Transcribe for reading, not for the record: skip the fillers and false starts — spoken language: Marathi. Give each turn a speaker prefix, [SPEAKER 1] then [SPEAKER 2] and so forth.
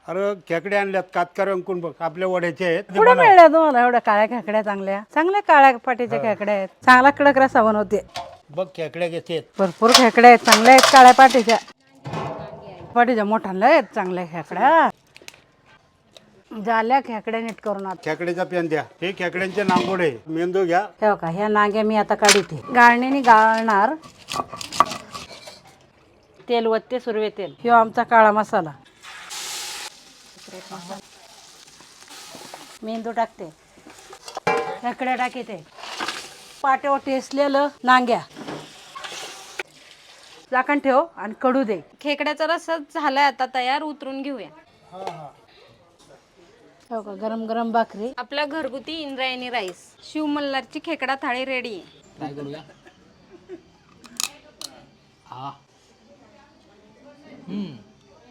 [SPEAKER 1] अरे खेकडे आणल्यात कातकार अंकून बघ आपल्या वड्याचे आहेत.
[SPEAKER 2] कुठे मिळल्या तुम्हाला एवढ्या काळ्या खेकड्या चांगल्या चांगल्या काळ्या पाटीच्या खेकड्या आहेत चांगला कडक रस्सा बनवते
[SPEAKER 1] बघ खेकड्या घेते
[SPEAKER 2] भरपूर खेकड्या आहेत चांगल्या आहेत काळ्या पाटीच्या पाटीच्या मोठ्या आहेत चांगल्या खेकड्या झाल्या खेकड्या नीट करून आता
[SPEAKER 1] खेकड्याचा पेन द्या. हे खेकड्यांचे नांगोडे मेंदू घ्या.
[SPEAKER 2] हे बघा ह्या नांग्या मी आता काढते गाळणीने गाळणार तेल वत्ते सुरवे तेल ह्यो आमचा काळा मसाला मेंदू टाकते खेकड्या टाकते पाट्यावर टेसलेलं नांग्या झाकण ठेव आणि कडू दे.
[SPEAKER 3] खेकड्याचा रस्सा झालाय आता तयार, उतरून घेऊया.
[SPEAKER 2] हो का गरम गरम भाकरी
[SPEAKER 3] आपला घरगुती इंद्रायणी राईस शिव मल्हारची खेकडा थाळी रेडी आहे.
[SPEAKER 4] काय करूया हा